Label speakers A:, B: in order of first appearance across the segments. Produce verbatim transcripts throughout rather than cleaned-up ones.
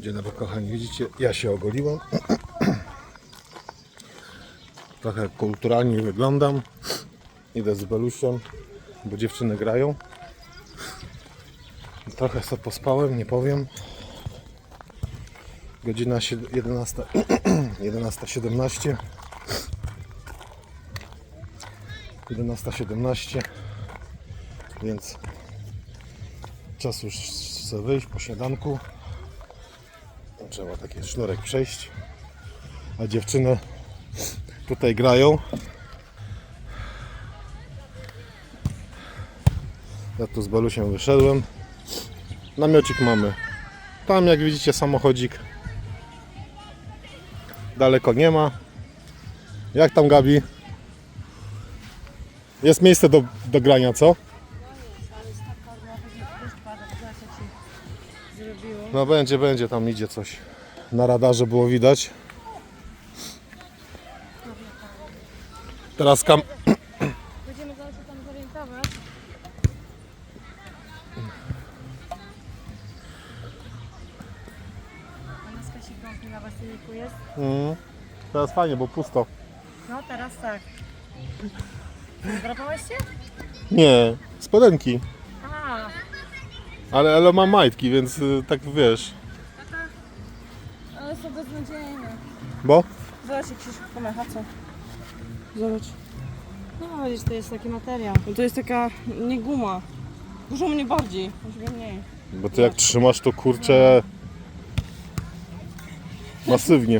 A: Dzień dobry kochani, widzicie, ja się ogoliłem. Trochę kulturalnie wyglądam. Idę z Belusiem, bo dziewczyny grają. Trochę sobie pospałem, nie powiem. Godzina jedenasta siedemnaście. jedenasta siedemnaście. Więc czas już sobie wyjść po śniadanku. Trzeba taki sznurek przejść. A dziewczyny tutaj grają. Ja tu z Belusiem wyszedłem. Namiocik mamy. Tam jak widzicie samochodzik. Daleko nie ma. Jak tam, Gabi? Jest miejsce do, do grania, co? No będzie, będzie, tam idzie coś. Na radarze było widać. Teraz kam...
B: Będziemy zaraz się tam zorientować. A na skasie kąpnie na baseniku jest?
A: Mm, teraz fajnie, bo pusto.
B: No teraz tak. Drapałeś się?
A: Nie, spodenki.
B: A,
A: Ale, ale mam majtki, więc y, tak wiesz.
B: ale są beznadziejne.
A: Bo?
B: Zobacz jak się szybko mecha, co? Zobacz. No widzisz, to jest taki materiał. No to jest taka, nie guma. Dużo mnie bardziej, może mniej.
A: Bo ty jak trzymasz, to kurczę masywnie.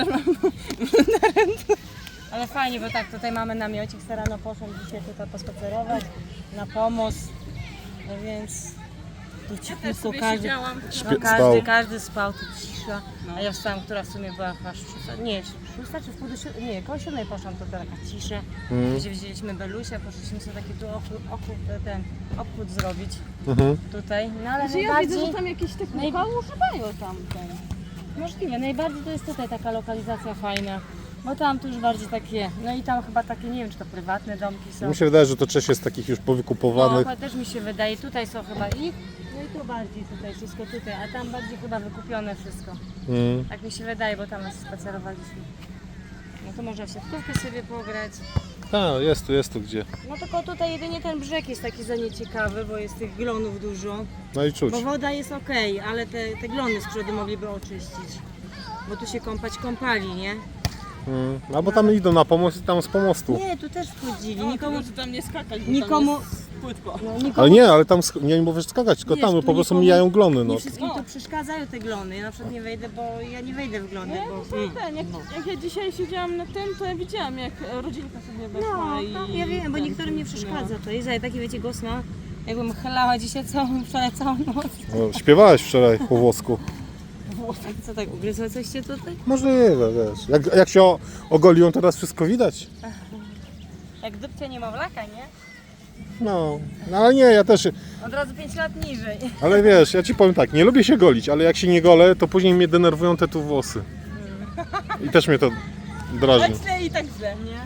B: Ale fajnie, bo tak, tutaj mamy namiocik, se rano poszłam dzisiaj tutaj pospacerować na pomost, no więc tu ciepło, każdy,
A: Śpie-
B: no,
A: spał.
B: każdy, każdy spał, tu cisza, a ja wstałam, która w sumie była chyba szósta, nie, szósta czy w pół do siódmej, nie, koło siódmej poszłam, to taka cisza,
A: Mhm.
B: gdzie wzięliśmy Belusia, poszliśmy sobie taki tu ochód, ochód, ten obchód zrobić
A: Mhm.
B: tutaj, no ale
C: Że ja
B: najbardziej...
C: widzę, że tam jakieś te
B: Naj-
C: kółka używają tam ten.
B: Możliwe, najbardziej to jest tutaj taka lokalizacja fajna, bo tam tu już bardziej takie, no i tam chyba takie, nie wiem czy to prywatne domki są.
A: Mi się wydaje, że to część jest takich już powykupowanych.
B: No, też mi się wydaje, tutaj są chyba ich, no i tu bardziej tutaj, wszystko tutaj, a tam bardziej chyba wykupione wszystko.
A: Mm.
B: Tak mi się wydaje, bo tam nas spacerowaliśmy. No to można w siatkówkę sobie pograć.
A: Tak, jest tu, jest tu gdzie.
B: No tylko tutaj jedynie ten brzeg jest taki za nieciekawy, bo jest tych glonów dużo.
A: No i czuć.
B: Bo woda jest okej, ale te, te glony z przodu mogliby oczyścić. Bo tu się kąpać kąpali, nie?
A: Mm. Albo tam idą na pomost i tam z pomostu.
B: Nie, tu też wchodzili,
C: Nikomu
B: nikomu...
C: tu tam nie skakać, bo
B: Nikomu-
C: tam jest płytko.
B: No, nikomu
A: Ale nie, ale tam sk- nie mówię skakać, tylko
B: Wiesz,
A: tam
B: tu
A: po prostu
B: nikomu-
A: mijają glony. No.
B: Nie wszystkim to przeszkadzają te glony. Ja na przykład nie wejdę, bo ja nie wejdę w glony,
C: Nie,
B: bo...
C: to jest ten, jak, jak ja dzisiaj siedziałam na tym, to ja widziałam jak rodzinka sobie weszła
B: No,
C: i...
B: no, ja wiem, bo
C: ten,
B: niektórym nie
C: no.
B: przeszkadza to. Jest ale taki wiecie głos ma, jakbym chlała dzisiaj całą, wczoraj całą noc.
A: No, śpiewałeś wczoraj po włosku.
B: Co tak, ugryzło coś cię tutaj?
A: Możliwe, wiesz. Jak, jak się o- ogoliłem, teraz wszystko widać.
B: Jak dupcie niemowlaka, nie?
A: No, no ale nie, ja też.
B: Od razu pięć lat niżej.
A: Ale wiesz, ja ci powiem tak, nie lubię się golić, ale jak się nie golę, to później mnie denerwują te tu włosy. I też mnie to drażni.
C: Tak źle i tak źle.
B: Nie?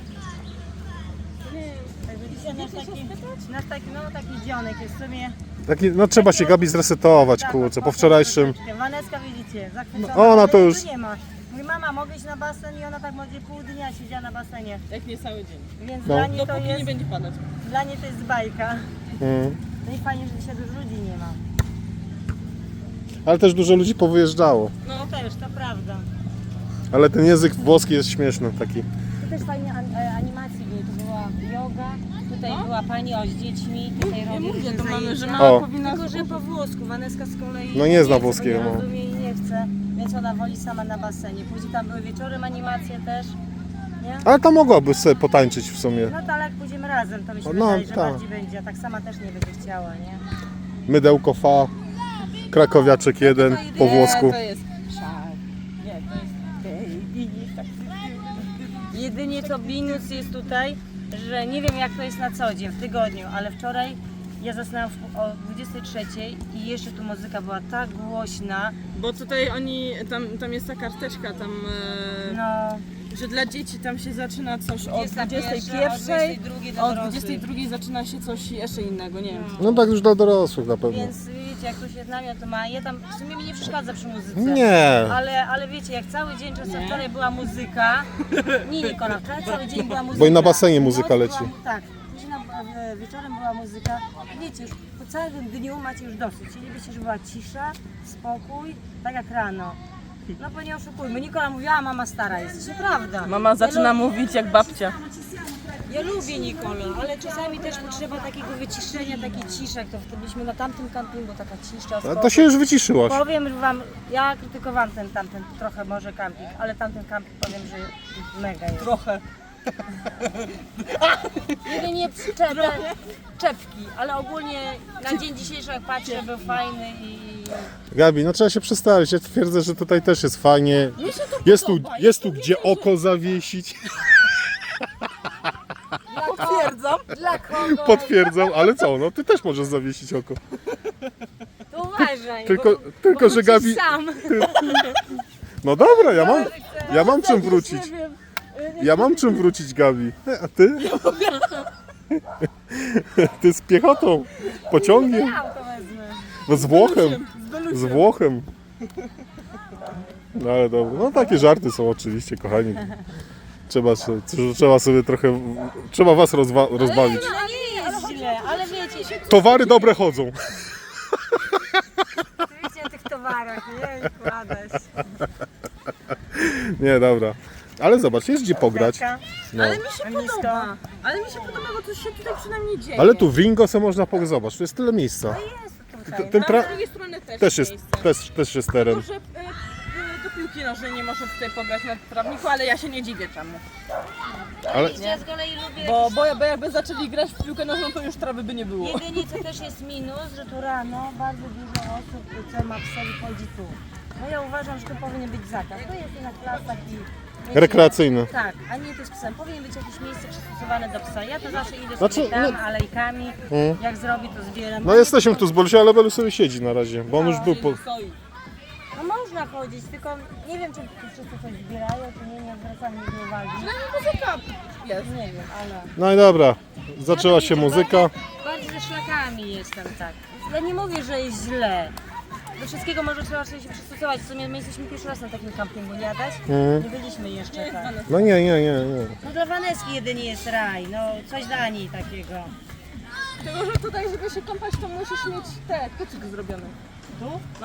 B: Tak widzicie, nasz taki, nasz taki, no taki dzionek jest w sumie...
A: Taki, no trzeba się Gabi zresetować,
B: Tak,
A: kurczę,
B: tak,
A: po wczorajszym.
B: troszeczkę. Waneska widzicie, zachwycona.
A: No, ona to
B: ale jej
A: już-
B: tu nie ma. Mój mama mogę iść na basen i ona tak może pół dnia siedziała na basenie.
C: Jak nie cały dzień.
B: Więc
A: No.
B: dla niej to
C: Dopóki
B: jest,
C: nie będzie padać.
B: dla niej to jest bajka.
A: Mm.
B: No i fajnie, że dzisiaj dużo ludzi nie ma.
A: Ale też dużo ludzi powyjeżdżało.
B: No też, to prawda.
A: Ale ten język włoski jest śmieszny taki.
B: Tu też fajnie an, e, animacji były. Tu była yoga, tutaj była pani o z dziećmi, tutaj
C: Ja
B: robią
C: mówię, to
B: zajęcia.
C: mamy, że
A: O.
C: mama powinna...
B: Tylko, że po włosku, Waneska z kolei
A: No nie zna
B: chce,
A: włoskiego,
B: bo
A: no.
B: nie rozumie i nie chce, więc ona woli sama na basenie. Później tam były wieczorem animacje też, nie?
A: Ale to mogłaby sobie potańczyć w sumie.
B: No to ale jak pójdziemy razem, to mi się
A: No,
B: wydaje, że
A: tak.
B: bardziej będzie, a tak sama też nie będzie chciała, nie?
A: Mydełko fa, krakowiaczek jeden po włosku.
C: Nie, to jest szar. Nie, to jest baby. Tak.
B: Jedynie co minus jest tutaj, że nie wiem jak to jest na co dzień, w tygodniu, ale wczoraj ja zasnęłam w- o dwudziestej trzeciej i jeszcze tu muzyka była tak głośna,
C: Bo tutaj oni, tam, tam jest ta karteczka, tam... E,
B: no
C: że dla dzieci tam się zaczyna coś o
B: dwudziesta
C: dwudziestej
B: pierwsza,
C: pierwszej,
B: o dwudziestej drugiej dla
C: o
B: dorosłych.
C: dwudziestej drugiej zaczyna się coś jeszcze innego, nie wiem.
A: No tak już dla dorosłych na pewno.
B: Więc wiecie, jak ktoś jest namiot, to ma. Ja tam w sumie mi nie przeszkadza przy muzyce.
A: Nie.
B: Ale, ale wiecie, jak cały dzień, czasem wczoraj była muzyka. Nie, Nikola, wczoraj cały dzień była muzyka.
A: Bo i na basenie muzyka
B: Noc
A: leci.
B: Była, tak, później na- wieczorem była muzyka. Wiecie, już po całym dniu macie już dosyć. Chcielibyście, żeby była cisza, spokój, tak jak rano. No bo nie oszukujmy, Nikola mówiła, a mama stara jest. To prawda.
C: Mama zaczyna
B: ja
C: mówić jak babcia.
B: Ja lubię Nikola, ale czasami też potrzeba takiego wyciszenia, takiej ciszy, jak to wtedy byliśmy na tamtym kampingu, taka cisza,
A: A
B: spokój.
A: to się już wyciszyłaś.
B: Powiem wam, ja krytykowałam ten tamten trochę może kamping, ale tamten kamping powiem, że mega jest.
C: Trochę.
B: Jedynie czepę, czepki, ale ogólnie na dzień dzisiejszy jak patrzę, był fajny i...
A: Gabi, no trzeba się przestawić. Ja twierdzę, że tutaj też jest fajnie.
C: Mi się to
A: Jest tu,
C: podoba.
A: jest tu gdzie oko zawiesić.
C: Potwierdzam.
B: Dla kogo?
A: Potwierdzam, ale co, no ty też możesz zawiesić oko.
B: To uważaj,
A: Tylko,
B: bo,
A: tylko
B: bo
A: że
B: wrócisz
A: Gabi...
B: sam.
A: No dobra, ja mam, ja mam czym
C: Nie
A: wrócić.
C: wiem.
A: Ja mam czym wrócić, Gabi. A ty? Ty z piechotą, pociągiem,
B: Ja to wezmę.
A: no z Włochem, z Włochem. No ale dobra, no takie żarty są oczywiście, kochani. Trzeba, się- trzeba sobie trochę, trzeba was rozwa- rozbawić.
B: No nie jest źle, ale wiecie,
A: Towary dobre chodzą.
B: oczywiście o tych towarach, nie? Kładać.
A: Nie, dobra. Ale zobacz, jest gdzie pograć. No.
C: Ale mi się
B: Blisko.
C: podoba. Ale mi się podoba, bo coś się tutaj przynajmniej dzieje.
A: Ale tu w Ringo se można pograć, zobacz, tu jest tyle miejsca.
B: Jest tutaj.
A: Ten
C: A
A: tra-
C: z drugiej strony też,
A: też jest,
C: miejsce.
A: też, też jest
C: Tylko,
A: teren.
C: że e, e, do piłki nożnej nie może tutaj pograć na trawniku, ale ja się nie dziwię czemu.
A: Ale
B: Ja z kolei lubię...
C: Bo, bo, bo jakby zaczęli grać w piłkę nożną, to już trawy by nie było.
B: Jedynie co też jest minus, że tu rano bardzo dużo osób, co ma psy, chodzi tu. No ja uważam, że to powinien być zakaz. To jest jednak klasa i... wiecie,
A: rekreacyjne.
B: Tak, a nie to z psem. Powinien być jakieś miejsce przystosowane do psa. Ja to zawsze idę
A: Znaczy,
B: sobie tam,
A: no-
B: alejkami.
A: Mm.
B: Jak zrobi, to zbieram.
A: No jesteśmy tu z Bolusia, ale Belu sobie siedzi na razie, bo on już był po...
B: No można chodzić, tylko nie wiem, czy wszyscy coś zbierają, czy nie, nie zwracam nigdy uwagi.
C: Muzyka jest.
B: Nie wiem, ale...
A: No i dobra, zaczęła
B: No
A: się
B: wiecie,
A: muzyka.
B: Bardziej, bardziej ze szlakami jestem, tak. Ja nie mówię, że jest źle. Do wszystkiego może trzeba sobie się przystosować. W sumie my jesteśmy pierwszy raz na takim kampingu, nie Adaś?
A: Mhm.
B: Nie byliśmy jeszcze tak.
A: No nie, nie, nie, nie.
B: No dla Waneski jedynie jest raj, no coś dla niej takiego.
C: Tylko, że tutaj, żeby się kąpać, to musisz mieć te kucyk zrobione.
B: Tu?
C: No.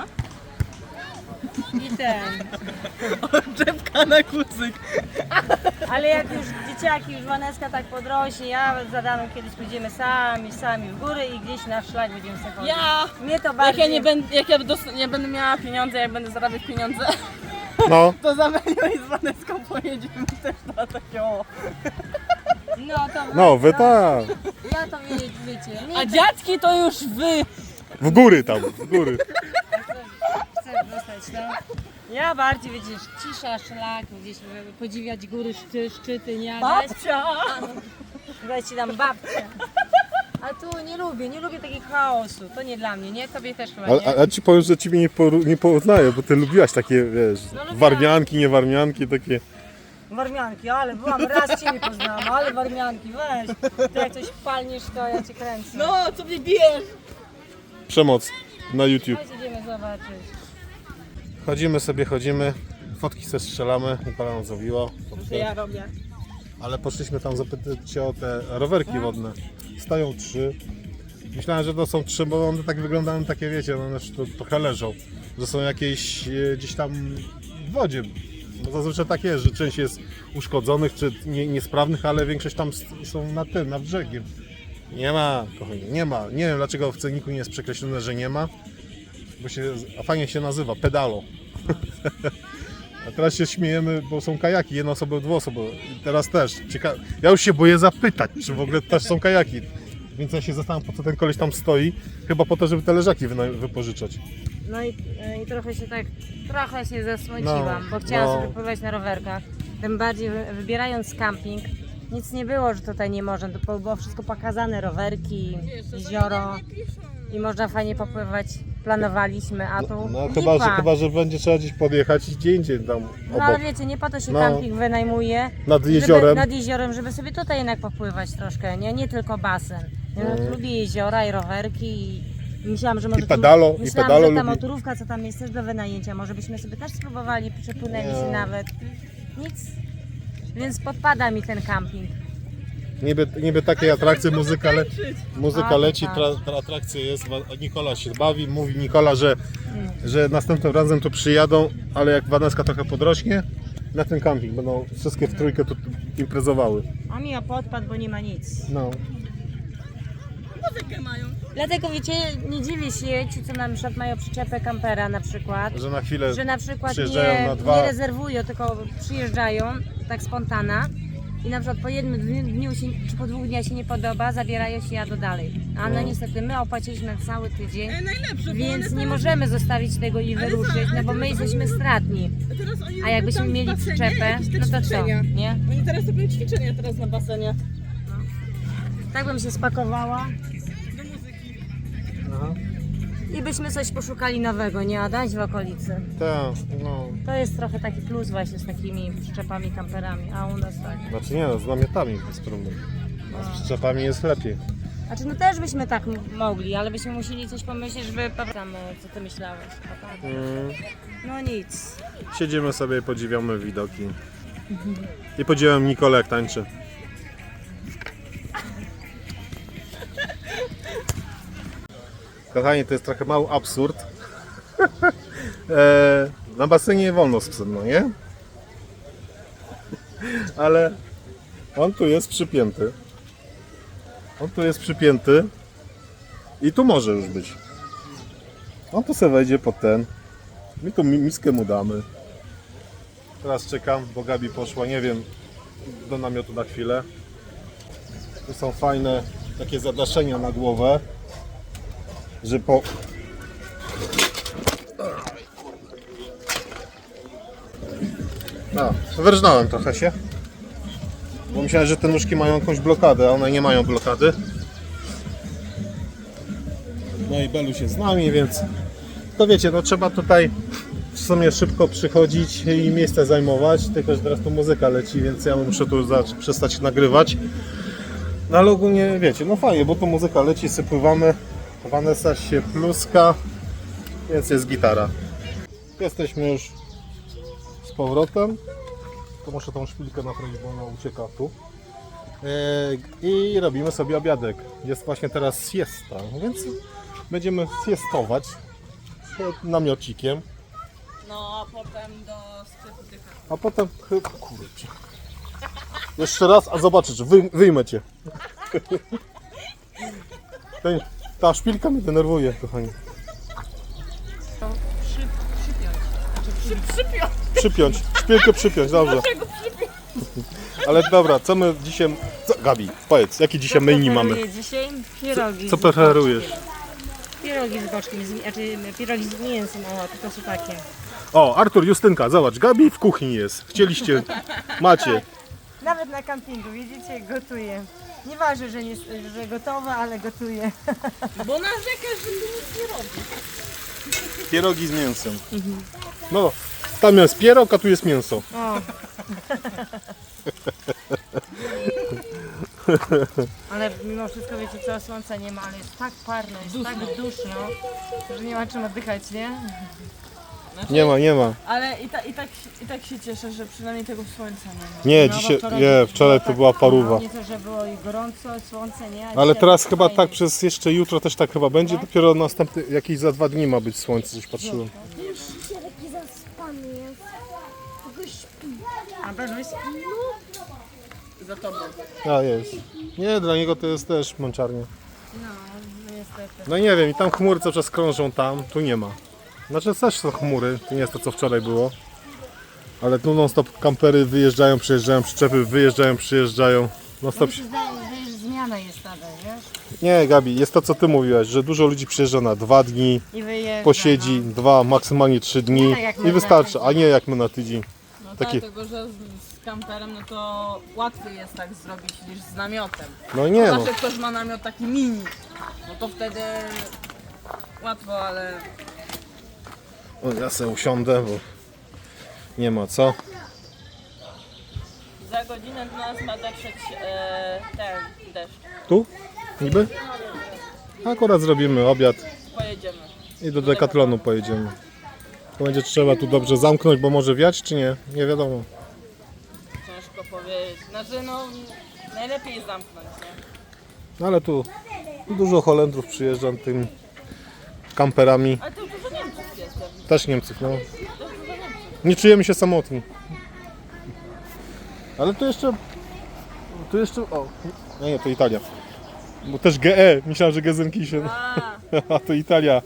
B: I ten.
C: Czepka na kucyk.
B: Ale jak już dzieciaki, już Waneska tak podrośnie, ja z Adamem kiedyś pójdziemy sami, sami w góry i gdzieś na szlak będziemy sobie chodzić.
C: Ja,
B: Mnie to
C: jak
B: bardziej...
C: ja nie będę, jak ja dos- nie będę miała pieniądze, jak będę zarabiać pieniądze,
A: No,
C: to za Melią i z Waneską pojedziemy też na takie o.
B: No to...
A: no wy tak.
B: Ja to wie, wiecie. Nie
C: A dziadki to już wy.
A: W góry tam, w góry.
B: chcę dostać, no. Ja bardziej, wiecie, cisza, szlak, gdzieś podziwiać góry, szczy, szczyty, nie Adaś?
C: Babcia.
B: Dajcie nam babcię. A tu nie lubię, nie lubię takiego chaosu. To nie dla mnie, nie? Tobie też chyba
A: A,
B: nie.
A: a, a ci powiem, że ciebie nie, poru- nie poznaję, bo ty lubiłaś takie, wiesz,
B: No lubiłam.
A: warmianki, niewarmianki, takie.
B: Warmianki, ale byłam, raz Ciebie poznałam, ale warmianki, weź. Ty jak coś palniesz, to ja Cię kręcę.
C: No, co mnie bijesz?
A: Przemoc na YouTube.
B: Chodź, idziemy zobaczyć.
A: Chodzimy sobie, chodzimy, fotki se strzelamy, Nikola nam zrobiła.
C: To ja robię.
A: Ale poszliśmy tam zapytać się o te rowerki wodne. Stoją trzy. Myślałem, że to są trzy, bo one tak wyglądają, takie wiecie, one już tu trochę leżą. Że są jakieś e, gdzieś tam w wodzie. Bo zazwyczaj tak jest, że część jest uszkodzonych czy nie, niesprawnych, ale większość tam s- są na tym, na brzegiem. Nie ma, kochani, nie ma. Nie wiem dlaczego w cenniku nie jest przekreślone, że nie ma. Bo się, a fajnie się nazywa, pedalo. A teraz się śmiejemy, bo są kajaki, jednoosobowe, dwuosobowe. I teraz też. Cieka... Ja już się boję zapytać, czy w ogóle też są kajaki. Więc ja się zastanawiam, po co ten koleś tam stoi. Chyba po to, żeby te leżaki wyna- wypożyczać.
B: No i, i trochę się tak, trochę się zasmuciłam,
A: No,
B: bo chciałam
A: no.
B: sobie pływać na rowerkach. Tym bardziej wy- wybierając camping, nic nie było, że tutaj nie można. To było wszystko pokazane, rowerki, jezioro i można fajnie popływać planowaliśmy, a tu
A: No, no
B: lipa.
A: chyba, że, chyba, że będzie trzeba gdzieś podjechać i gdzie indziej tam
B: No ale
A: obok.
B: wiecie, nie po to się
A: No.
B: camping wynajmuje.
A: Nad
B: Żeby,
A: jeziorem.
B: nad jeziorem, żeby sobie tutaj jednak popływać troszkę, nie, nie tylko basen. Ja
A: Mm.
B: lubię jeziora i rowerki i myślałam, że może
A: I pedalo,
B: tam,
A: i
B: myślałam,
A: pedalo
B: że ta
A: lubi.
B: motorówka, co tam jest też do wynajęcia, może byśmy sobie też spróbowali, przepłynęli się
A: Nie.
B: nawet. Nic. Więc podpada mi ten camping.
A: Niby, niby takiej atrakcji muzyka, le, muzyka
B: A,
A: leci,
B: tak.
A: tra, tra, atrakcja jest, wa- Nikola się bawi, mówi Nikola, że,
B: Mm.
A: że następnym razem tu przyjadą, ale jak Waneska trochę podrośnie, na ten camping będą wszystkie w trójkę tu imprezowały.
B: A mi podpadł, bo nie ma nic.
A: No.
C: Muzykę mają.
B: Dlatego wiecie, nie dziwię się ci, co na przykład mają przyczepę kampera na przykład.
A: Że na chwilę
B: Że na przykład
A: przyjeżdżają
B: nie,
A: na dwa-
B: nie rezerwują, tylko przyjeżdżają tak spontana i na przykład po jednym dniu dniu się, czy po dwóch dniach się nie podoba, zabierają się jadą dalej. A no
A: No.
B: niestety my opłaciliśmy cały tydzień,
C: E, najlepsze, bo
B: więc
C: one
B: nie
C: teraz,
B: możemy zostawić tego i
C: Ale
B: wyruszyć,
C: za-
B: no
C: ale
B: bo my
C: teraz
B: jesteśmy
C: oni-
B: stratni.
C: teraz oni
B: A
C: robią
B: jakbyśmy
C: tam w
B: mieli
C: basenie
B: przyczepę,
C: jakieś te
B: no to co,
C: ćwiczenia.
B: nie?
C: Oni teraz robią ćwiczenia teraz na basenie.
B: Tak bym się spakowała
C: Do muzyki.
A: Aha.
B: i byśmy coś poszukali nowego, nie Adaś, w okolicy.
A: Tak, no.
B: To jest trochę taki plus właśnie z takimi przyczepami, kamperami, a u nas tak.
A: Znaczy nie no, z namiotami bez problemu. A z przyczepami jest lepiej.
B: Znaczy no też byśmy tak m- mogli, ale byśmy musieli coś pomyśleć, żeby... Tam, e, co ty myślałeś? A tak.
A: Mm.
B: No nic.
A: Siedzimy sobie, podziwiamy widoki. I podziwiam Nikolę jak tańczy. Kochani, to jest trochę mały absurd. e, na basenie nie wolno z psem, no nie? Ale on tu jest przypięty. On tu jest przypięty. I tu może już być. On tu sobie wejdzie pod ten. My tu mi- miskę mu damy. Teraz czekam, bo Gabi poszła, nie wiem, do namiotu na chwilę. Tu są fajne takie zadaszenia na głowę, że po... No, wyrżnąłem trochę się. Bo myślałem, że te nóżki mają jakąś blokadę, a one nie mają blokady. No i Beluś jest z nami, więc to wiecie, no trzeba tutaj w sumie szybko przychodzić i miejsce zajmować, tylko że teraz tu muzyka leci, więc ja muszę tu za- przestać nagrywać. No ale ogólnie wiecie, no fajnie, bo tu muzyka leci, sypływamy, Vanessa się pluska, więc jest gitara. Jesteśmy już z powrotem. To muszę tą szpilkę naprawić, bo ona ucieka tu. Yy, I robimy sobie obiadek. Jest właśnie teraz siesta, więc będziemy siestować przed namiocikiem.
C: No, a potem do sklepu dycha.
A: A potem chyba, kurczę. Jeszcze raz, a zobaczysz, wy, wyjmę cię. Ten, ta szpilka mnie denerwuje, kochani.
B: Przy, przypiąć.
C: Przy, przypiąć.
A: Przypiąć, szpilkę przypiąć, dobrze.
C: Czego przypiąć?
A: Ale dobra, co my dzisiaj... Co, Gabi, powiedz, jaki dzisiaj menu mamy?
B: Preferuję dzisiaj pierogi.
A: Co
B: z
A: preferujesz?
B: boczkiem. Pierogi z boczkiem, z, znaczy pierogi z mięsem, o, tylko są takie.
A: O, Artur, Justynka, zobacz, Gabi w kuchni jest. Chcieliście, macie.
B: Nawet na kampingu, widzicie, gotuję. Nieważne, że, nie, że gotowe, ale gotuję.
C: Bo narzekasz, że tu nic nie robi.
A: Pierogi z mięsem. No, tam jest pierog, a tu jest mięso.
B: O. Ale mimo wszystko wiecie co, słońca nie ma, ale jest tak parno, jest tak duszno, że nie ma czym oddychać, nie?
C: Znaczy,
A: Nie ma, nie ma.
C: Ale i, ta, i, tak, i tak się cieszę, że przynajmniej tego słońca nie ma.
A: Nie,
B: No, bo
A: dzisiaj,
B: wczoraj
A: nie,
B: było
A: wczoraj to
B: tak
A: była
B: parno,
A: paruwa.
B: Nie to, że było i gorąco, słońce, nie? A
A: Ale
B: dzisiaj
A: teraz
B: tak
A: chyba
B: fajnie.
A: tak przez jeszcze jutro też tak chyba będzie.
B: Tak?
A: Dopiero następny, jakieś za dwa dni ma być słońce, coś patrzyłem.
D: Jeszcze taki zaspany jest. Tylko śpi.
B: A Beluś?
C: Za tobą.
A: A jest. Nie, dla niego to jest też mączarnia.
B: No, no niestety.
A: No nie wiem, i tam chmury cały czas krążą tam, tu nie ma. Znaczy też są chmury, to nie jest to co wczoraj było. Ale tu non stop kampery wyjeżdżają, przyjeżdżają, przyczepy wyjeżdżają, przyjeżdżają. Non stop.
B: Mi się zdaje, że już zmiana jest nadal, wiesz?
A: Nie, Gabi, jest to co ty mówiłaś, że dużo ludzi przyjeżdża na dwa dni,
B: I wyjeżdża,
A: posiedzi
B: no.
A: dwa, maksymalnie trzy dni
B: Nie tak jak my
A: i
B: na
A: wystarczy,
B: tydzień.
A: a nie jak my na tydzień.
C: No
A: Taki-
C: dlatego, że z, z kamperem no to łatwiej jest tak zrobić niż z namiotem.
A: No nie no.
C: Zawsze ktoś ma namiot taki mini, no to wtedy łatwo, ale
A: O, ja sobie usiądę, bo nie ma co.
C: za godzinę do nas ma dotrzeć e, ten deszcz.
A: Tu? Niby? Akurat zrobimy obiad
C: Pojedziemy.
A: i do Decathlonu pojedziemy. To będzie trzeba tu dobrze zamknąć, bo może wiać czy nie? Nie wiadomo.
C: Ciężko powiedzieć. Znaczy no, najlepiej zamknąć, nie?
A: No ale tu dużo Holendrów przyjeżdża tym kamperami.
C: Ale to dużo Niemców jest. jakby.
A: Też Niemców, no.
C: To dużo Niemców.
A: Nie czujemy się samotni. Ale tu jeszcze... Tu jeszcze... O, no nie, to Italia. Bo też G E. Myślałem, że Gelsenkirchen.
C: A,
A: A to Italia.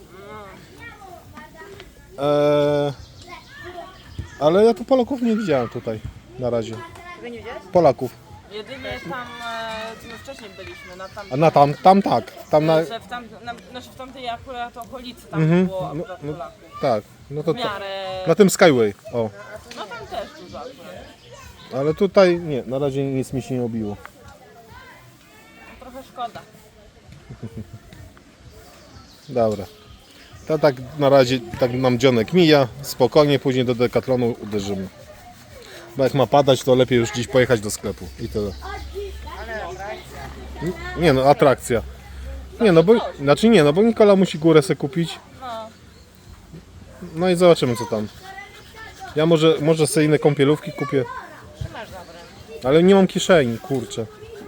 A: Eee, ale ja tu Polaków nie widziałem tutaj na razie.
B: Tego nie widziałeś?
A: Polaków.
C: jedynie tam, e, my wcześniej byliśmy, na tam,
A: A na tam, tam tak. Tam na...
C: że w, tam, na, znaczy w tamtej akurat okolicy tam
A: Mhm.
C: było
A: No,
C: akurat
A: no.
C: Polaków.
A: Tak. No to,
C: W
A: to
C: miarę,
A: na tym Skyway. O.
C: no tam też dużo akurat.
A: Ale tutaj nie, na razie nic mi się nie obiło.
C: Trochę szkoda.
A: Dobra. To tak na razie tak nam dzionek mija. Spokojnie, później do Decathlonu uderzymy. Bo jak ma padać, to lepiej już dziś pojechać do sklepu. I tyle. Nie no, atrakcja. Nie no, bo, znaczy nie, no bo Nikola musi górę sobie kupić.
C: No,
A: No i zobaczymy co tam. Ja może, może sobie inne kąpielówki kupię.
B: Masz dobre.
A: Ale nie mam kieszeni, kurczę.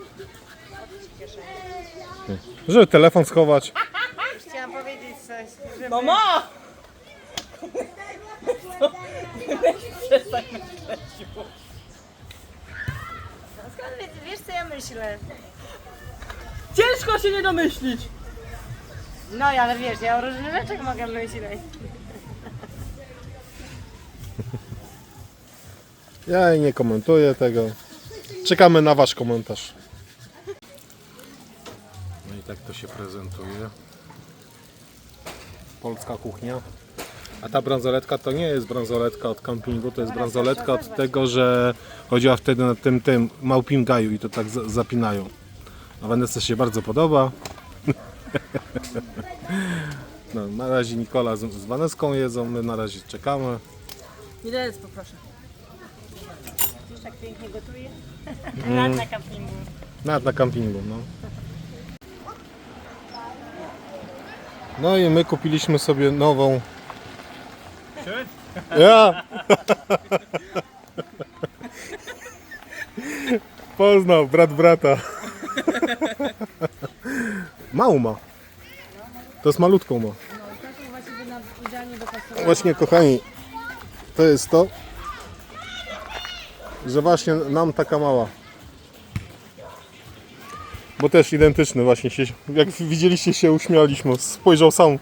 A: Żeby telefon schować.
B: Chciałam powiedzieć coś, żeby...
C: no ma! Przestań myśleć.
B: Skąd wiesz, wiesz co ja myślę?
C: Ciężko się nie domyślić.
B: No ale wiesz, ja o różnych rzeczach mogę myśleć.
A: Ja nie komentuję tego. Czekamy na wasz komentarz. No i tak to się prezentuje. Polska kuchnia. A ta bransoletka to nie jest bransoletka od kampingu, to jest bransoletka od tego, że chodziła wtedy na tym, tym małpim gaju i to tak za- zapinają. A Vanessa się bardzo podoba. No, na razie Nikola z, z Vanesską jedzą, my na razie czekamy.
C: Widelec poproszę.
B: Wiesz, tak pięknie gotuje? Mm. Na kampingu.
A: Nawet na kampingu, no. No i my kupiliśmy sobie nową. Ja! Poznał, brat brata. Małą ma. To jest malutką ma.
B: No i taką właściwie nam idealnie dopasowała.
A: Właśnie kochani, to jest to, że właśnie nam taka mała. Bo też identyczny właśnie się, jak widzieliście się uśmialiśmy, spojrzał sam.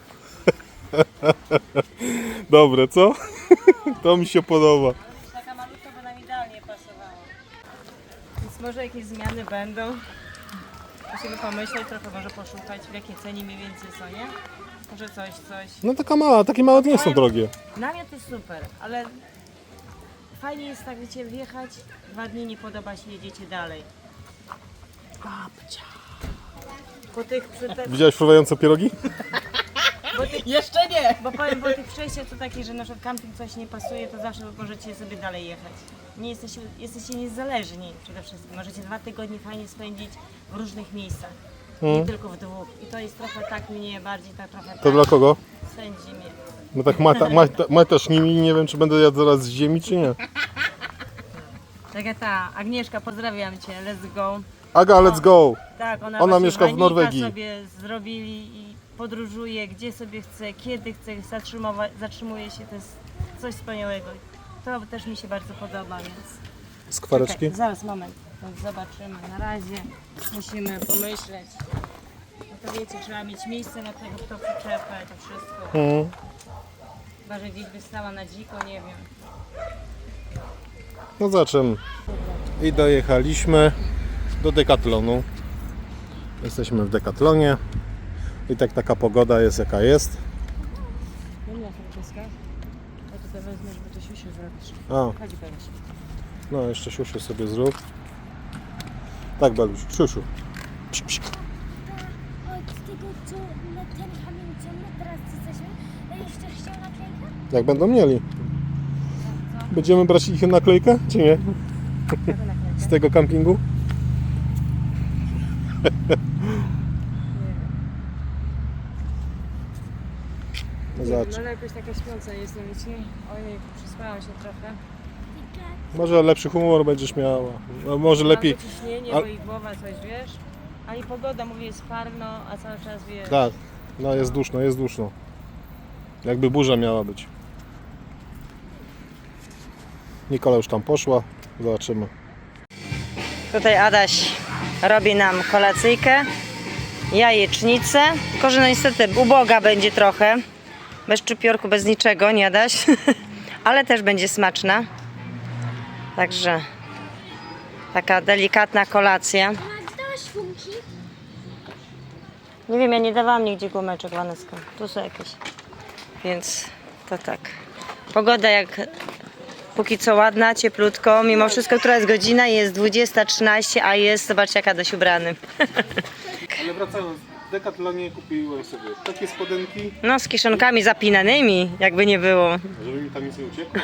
A: Dobre, co? To mi się podoba.
B: Taka malutka by nam idealnie pasowała. Więc może jakieś zmiany będą. Musimy pomyśleć, trochę może poszukać w jakiej cenie mniej więcej są, nie? Może coś, coś.
A: No taka mała, takie małe nie są drogie.
B: Namiot jest super, ale fajnie jest tak, wiecie, wjechać, dwa dni nie podoba się, jedziecie dalej. Babcia. Po tych, przy te,
A: Widziałeś fruwające pierogi?
B: bo tych,
C: Jeszcze nie!
B: bo powiem, bo tych przejściach to takie, że na przykład camping coś nie pasuje, to zawsze możecie sobie dalej jechać. Nie jesteście, jesteście niezależni przede wszystkim. Możecie dwa tygodnie fajnie spędzić w różnych miejscach. Nie tylko w dwóch. I to jest trochę tak mnie bardziej, tak trochę
A: To
B: tak
A: dla kogo?
B: sędzi mnie.
A: No tak mata, mata, matasz nimi i nie wiem, czy będę jadł zaraz z ziemi, czy nie.
B: Tak jak ta Agnieszka, pozdrawiam Cię, let's go.
A: Aga, let's go!
B: Tak, ona,
A: Ona
B: właśnie
A: mieszka w
B: Wanika
A: Norwegii.
B: sobie zrobili i podróżuje, gdzie sobie chce, kiedy chce, zatrzymywa- zatrzymuje się, to jest coś wspaniałego. To też mi się bardzo podoba, więc...
A: Skwareczki?
B: Czekaj, zaraz, moment, więc zobaczymy. Na razie musimy pomyśleć. No to wiecie, trzeba mieć miejsce na tego, kto przyczepę, to wszystko.
A: Mhm.
B: Chyba, że gdzieś by stała na dziko, nie wiem.
A: No zobaczymy. I dojechaliśmy do Decathlonu. Jesteśmy w Decathlonie. I tak taka pogoda jest jaka jest.
B: Nie ma Franceska. Ja tutaj wezmę, żeby to siusiu zrobić.
A: A,
B: Chodź, Beluś.
A: no jeszcze siusiu sobie zrób. Tak, Beluś, siusiu. Psz, psz.
D: od tego, co na ten kamień, co my teraz jesteśmy, jeszcze chciał naklejkę?
A: Jak będą mieli. Będziemy brać ich naklejkę, czy nie? Z tego kampingu? No zobacz.
B: No ale jakoś taka śpiąca jestem, wiecie? Ojej, przespałam się trochę.
A: Może lepszy humor będziesz miała. No może lepiej.
B: Albo ciśnienie,
A: Al-
B: bo i głowa coś, wiesz? Ani pogoda, mówię, jest parno, a cały czas, wiesz...
A: Tak, no jest duszno, jest duszno. Jakby burza miała być. Nikola już tam poszła. Zobaczymy.
B: Tutaj Adaś robi nam kolacyjkę, jajecznicę, tylko że no niestety uboga będzie trochę, bez szczypiorku, bez niczego, nie Adaś, ale też będzie smaczna. Także taka delikatna kolacja.
D: A dałaś gumki?
B: Nie wiem, ja nie dawałam nigdzie gumeczek, Waneska, tu są jakieś, więc to tak. Pogoda jak póki co ładna, cieplutko, mimo wszystko, która jest godzina, jest dwudziesta trzynaście, a jest, zobaczcie jak Adaś ubrany.
A: Ale wracając, w Decathlonie kupiłem sobie takie spodenki,
B: No, z kiszonkami zapinanymi, jakby nie było.
A: żeby mi tam nic nie uciekło.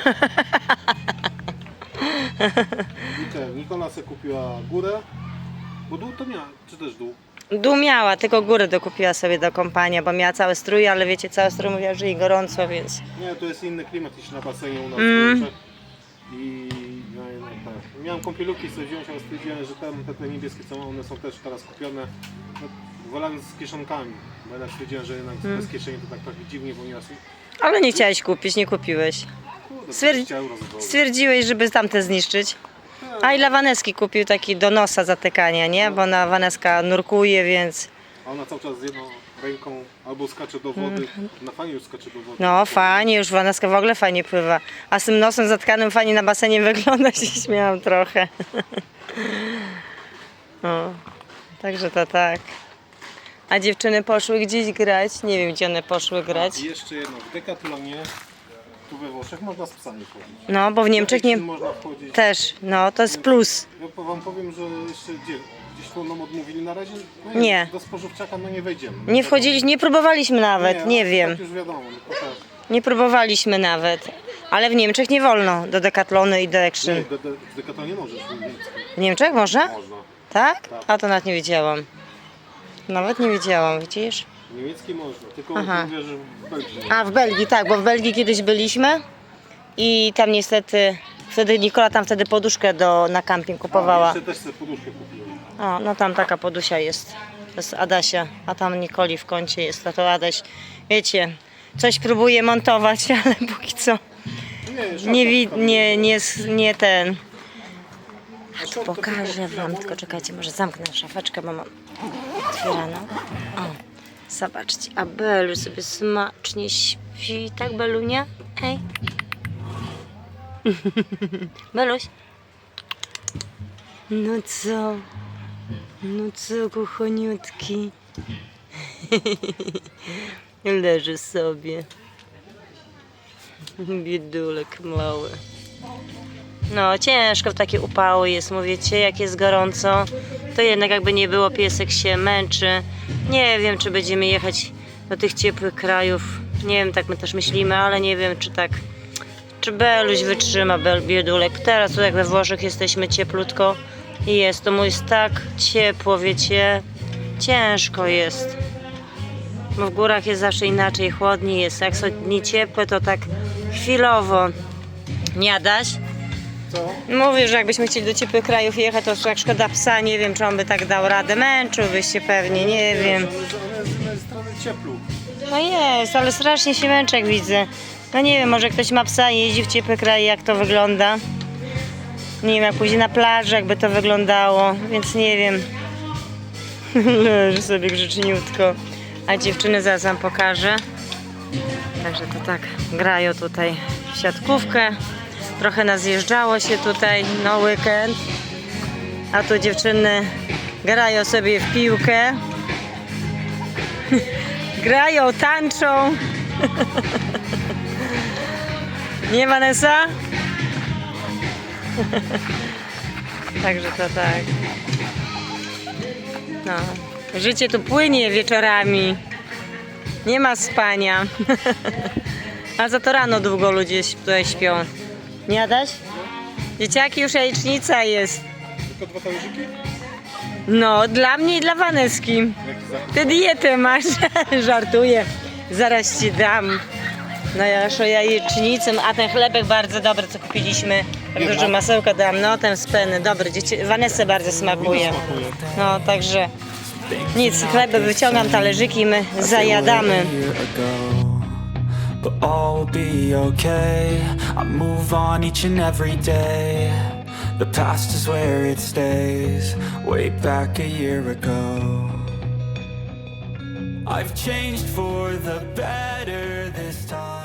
A: I te, Nikola sobie kupiła górę, bo dół to miała, czy też dół?
B: Dół miała, tylko górę dokupiła sobie do kąpania, bo miała całe strój, ale wiecie, całe strój mówiła, że jej gorąco, więc...
A: Nie, to jest inny klimat niż na basenie u nas
B: Mm.
A: w Niemczech. I no, no, tak. Miałem kąpielówki sobie wziąć, ale stwierdziłem, że tam te, te niebieskie co mam, one są też teraz kupione. No, wolałem z kieszonkami, bo jednak stwierdziłem, że jednak
B: Mm.
A: bez kieszeni to tak trochę dziwnie, bo nieraz
B: Ale nie chciałeś kupić, nie kupiłeś.
A: kurde,
B: Stwierdzi-
A: dwadzieścia euro za dołu.
B: Stwierdziłeś, żeby tamte zniszczyć. A i dla Waneski kupił taki do nosa zatykania, nie? Bo na Waneska nurkuje, więc...
A: A ona cały czas z jedną ręką albo skacze do wody, na fajnie już skacze do wody.
B: No fajnie, już Waneska w ogóle fajnie pływa. A z tym nosem zatkanym fajnie na basenie wygląda, się śmiałam trochę. O, także to tak. A dziewczyny poszły gdzieś grać? Nie wiem, gdzie one poszły grać.
A: I jeszcze jedno, w Decathlonie, tu we Włoszech można z psami chodzić.
B: No, bo w Niemczech nie...
A: Można wchodzić.
B: Też, no, to jest plus.
A: Ja wam powiem, że jeszcze gdzie, gdzieś tu nam odmówili na razie. No
B: Nie.
A: Do spożywczaka no nie wejdziemy.
B: Nie wchodziliśmy, nie próbowaliśmy nawet, nie
A: ale
B: wiem.
A: Tak już wiadomo, no to tak.
B: Nie próbowaliśmy nawet. Ale w Niemczech nie wolno do Decathlonu i do
A: Nie,
B: Action.
A: do, do, w Decathlonie możesz, w niemieckim.
B: W Niemczech można?
A: Można.
B: Tak? A to nawet nie wiedziałam. Nawet nie wiedziałam, widzisz?
A: W niemieckim można, tylko
B: Aha.
A: mówię, że w Belgii nie.
B: A w Belgii, tak, bo w Belgii kiedyś byliśmy i tam niestety, wtedy Nikola tam wtedy poduszkę do, na camping
A: A,
B: kupowała.
A: jeszcze też sobie poduszkę kupiłem.
B: O, no tam taka podusia jest. To jest Adasia, a tam Nikoli w kącie jest, a to Adaś, wiecie, coś próbuje montować, ale póki co
A: Nie, szafka
B: nie, wi-
A: tam
B: nie, nie, nie ten. A
A: Szafka
B: tu
A: to
B: pokażę
A: tylko
B: wam,
A: chwila,
B: tylko czekajcie, może zamknę szafeczkę, bo mam otwieraną. O, zobaczcie, a Belu sobie smacznie śpi, tak Belunia? Hej. Beluś? No co? No co, kochoniutki? Leży sobie. Biedulek mały. No ciężko w takie upały jest, mówicie, jak jest gorąco, to jednak jakby nie było, piesek się męczy. Nie wiem, czy będziemy jechać do tych ciepłych krajów. Nie wiem, tak my też myślimy, ale nie wiem, czy tak, czy Beluś wytrzyma, Bel, biedulek. Teraz tu jak we Włoszech jesteśmy cieplutko i jest, to mu jest tak ciepło, wiecie, ciężko jest. Bo w górach jest zawsze inaczej, chłodniej jest. Jak są dni ciepłe, to tak chwilowo. Nie Adaś?
A: Co?
B: Mówił, że jakbyśmy chcieli do ciepłych krajów jechać, to jak szkoda psa, nie wiem, czy on by tak dał radę. Męczyłbyś się pewnie, nie wiem.
A: One, one z jednej strony cieplu.
B: No jest, ale strasznie się męczy, jak widzę. No nie wiem, może ktoś ma psa i jeździ w ciepłe kraje, jak to wygląda. Nie wiem, jak pójdzie na plażę, jakby to wyglądało, więc nie wiem. Leży sobie grzeczniutko. A dziewczyny zaraz wam pokażę. Także to tak, grają tutaj w siatkówkę. Trochę nazjeżdżało się tutaj na weekend. A tu dziewczyny grają sobie w piłkę. Grają, tańczą. Nie, Vanessa? Także to tak. No. Życie tu płynie wieczorami. Nie ma spania. A za to rano długo ludzie tutaj śpią. Nie Adaś? Dzieciaki, już jajecznica jest.
A: Tylko dwa talerzyki?
B: No, dla mnie i dla Waneski. Ty dietę masz. Żartuję. Zaraz ci dam. No ja już o jajecznicę, a ten chlebek bardzo dobry, co kupiliśmy. Tak dużo masełka dam, no ten z peny, dobry. Dzieci... Wanesce bardzo smakuje. No, także nic, chleb wyciągam, talerzyki, my zajadamy.
E: But all will be okay. I move on each and every day. The past is where it stays. Way back a year ago, I've changed for the better this time.